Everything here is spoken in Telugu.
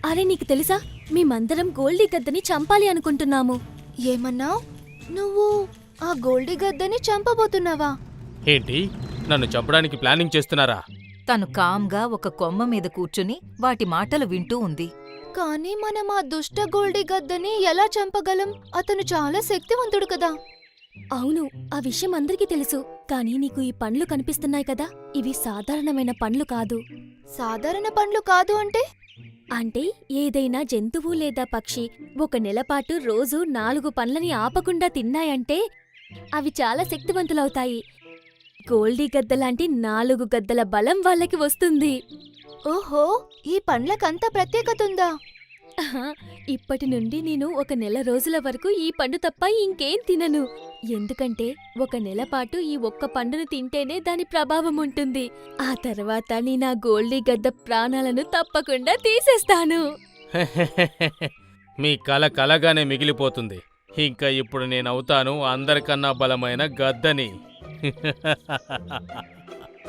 అరే నీకు తెలుసా, మేమందరం గోల్డీ గద్దని చంపాలి అనుకుంటున్నాము. ఏమన్నావ్? నువ్వు ఆ గోల్డీ గద్దని చంపబోతున్నావా? ఏంటి, నన్ను చంపడానికి ప్లానింగ్ చేస్తున్నారా? తను కామ్గా ఒక కొమ్మ మీద కూర్చుని వాటి మాటలు వింటూ ఉంది. కానీ మనం ఆ దుష్ట గోల్డీ గద్దని ఎలా చంపగలం? అతను చాలా శక్తివంతుడు కదా. అవును, ఆ విషయం అందరికీ తెలుసు. కానీ నీకు ఈ పండ్లు కనిపిస్తున్నాయి కదా, ఇవి సాధారణమైన పండ్లు కాదు. సాధారణ పండ్లు కాదు అంటే? అంటే ఏదైనా జంతువు లేదా పక్షి 1 నెలపాటు రోజు 4 పండ్లని ఆపకుండా తిన్నాయంటే అవి చాలా శక్తివంతులవుతాయి. గోల్డీ గద్దలాంటి 4 గద్దల బలం వాళ్ళకి వస్తుంది. ఓహో, ఈ పండ్లకంత ప్రత్యేకత ఉందా? ఆహా, ఇప్పటి నుండి నేను 1 నెల రోజుల వరకు ఈ పండు తప్ప ఇంకేం తినను. ఎందుకంటే 1 నెలపాటు ఈ ఒక్క పండును తింటేనే దాని ప్రభావం ఉంటుంది. ఆ తర్వాత నేను ఆ గోల్డీ గద్ద ప్రాణాలను తప్పకుండా తీసేస్తాను. మీ కల కలగానే మిగిలిపోతుంది. ఇంకా ఇప్పుడు నేనవుతాను అందరికన్నా బలమైన గద్దని.